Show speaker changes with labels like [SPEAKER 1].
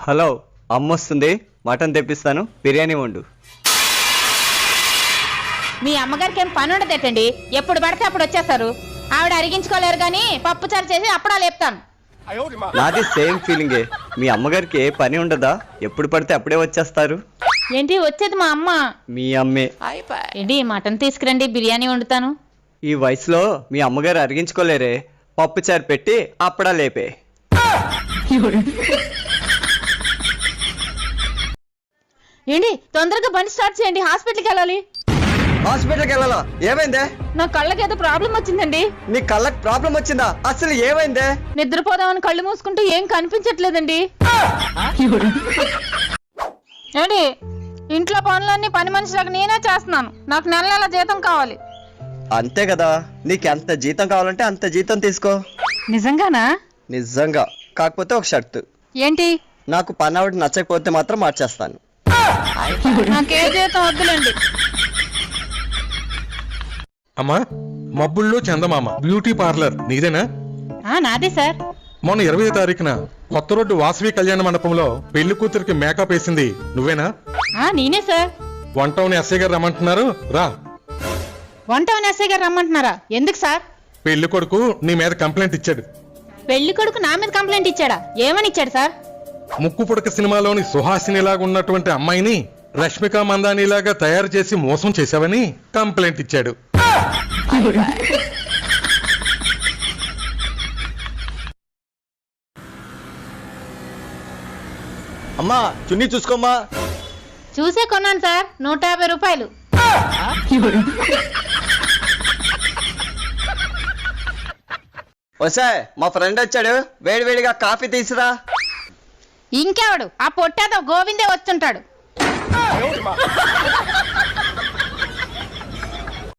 [SPEAKER 1] Hello, అమ్మొస్తుంది, mutton తెప్పిస్తాను, బిర్యానీ వండు.
[SPEAKER 2] మీ అమ్మగారికి ఏం పని ఉండదేటండి, ఎప్పుడు పడితే అప్పుడు వచ్చేస్తారు. ఆవిడ అరిగించుకోలేరు కానీ పప్పుచారు చేసి అప్పుడా లేపుతాను.
[SPEAKER 1] నాది సేమ్ ఫీలింగే. మీ అమ్మగారికి ఏ పని ఉండదా? ఎప్పుడు పడితే అప్పుడే వచ్చేస్తారు.
[SPEAKER 2] ఏంటి వచ్చేది మా అమ్మ?
[SPEAKER 1] మీ అమ్మే.
[SPEAKER 2] ఏంటి మటన్ తీసుకురండి, బిర్యానీ వండుతాను.
[SPEAKER 1] ఈ వయసులో మీ అమ్మగారు అరిగించుకోలేరే, పప్పుచారు పెట్టి అప్పుడా లేపే.
[SPEAKER 2] ఏంటి తొందరగా బండి స్టార్ట్ చేయండి, హాస్పిటల్కి వెళ్ళాలి.
[SPEAKER 1] హాస్పిటల్కి వెళ్ళాలా? ఏమైందే?
[SPEAKER 2] నా కళ్ళకి ఏదో ప్రాబ్లం వచ్చిందండి.
[SPEAKER 1] నీ కళ్ళకి ప్రాబ్లం వచ్చిందా? అసలు ఏమైందే?
[SPEAKER 2] నిద్రపోదామని కళ్ళు మూసుకుంటూ ఏం కనిపించట్లేదండి. ఏంటి ఇంట్లో పనులన్నీ పని మనిషిలాగా నేనే చేస్తున్నాను. నాకు నెల నెల జీతం కావాలి.
[SPEAKER 1] అంతే కదా, నీకు ఎంత జీతం కావాలంటే అంత జీతం తీసుకో.
[SPEAKER 2] నిజంగానా?
[SPEAKER 1] నిజంగా. కాకపోతే ఒక షర్తు.
[SPEAKER 2] ఏంటి?
[SPEAKER 1] నాకు పని ఆవిడ నచ్చకపోతే మాత్రం మార్చేస్తాను.
[SPEAKER 2] నాకే జీతం వద్దులేండి.
[SPEAKER 3] అమ్మా, మబ్బుల్లో చందమామ బ్యూటీ పార్లర్ నీదేనా?
[SPEAKER 2] నాదే సార్.
[SPEAKER 3] మొన్న 20వ తారీఖున కొత్త రోడ్డు వాసవి కళ్యాణ మండపంలో పెళ్లి కూతురికి మేకప్ వేసింది నువ్వేనా?
[SPEAKER 2] నేనే సార్.
[SPEAKER 3] వన్ టౌన్ ఎస్ఐ గారు రమ్మంటున్నారు, రా.
[SPEAKER 2] వన్ టౌన్ ఎస్ఐ గారు రమ్మంటున్నారా? ఎందుకు సార్?
[SPEAKER 3] పెళ్లి కొడుకు నీ మీద కంప్లైంట్ ఇచ్చాడు.
[SPEAKER 2] పెళ్లి కొడుకు నా మీద కంప్లైంట్ ఇచ్చాడా? ఏమని ఇచ్చాడు సార్?
[SPEAKER 3] ముక్కు పుడక సినిమాలోని సుహాసినిలాగా ఉన్నటువంటి అమ్మాయిని రష్మిక మందానిలాగా తయారు చేసి మోసం చేశావని కంప్లైంట్ ఇచ్చాడు.
[SPEAKER 1] అమ్మా, చున్నీ చూసుకోమ్మా.
[SPEAKER 2] చూసే కొన్నాను సార్, 150 రూపాయలు.
[SPEAKER 1] వసే, మా ఫ్రెండ్ వచ్చాడు, వేడివేడిగా కాఫీ తీసురా.
[SPEAKER 2] ఇంకెవడు? ఆ పొట్టేదో గోవిందే వచ్చుంటాడు.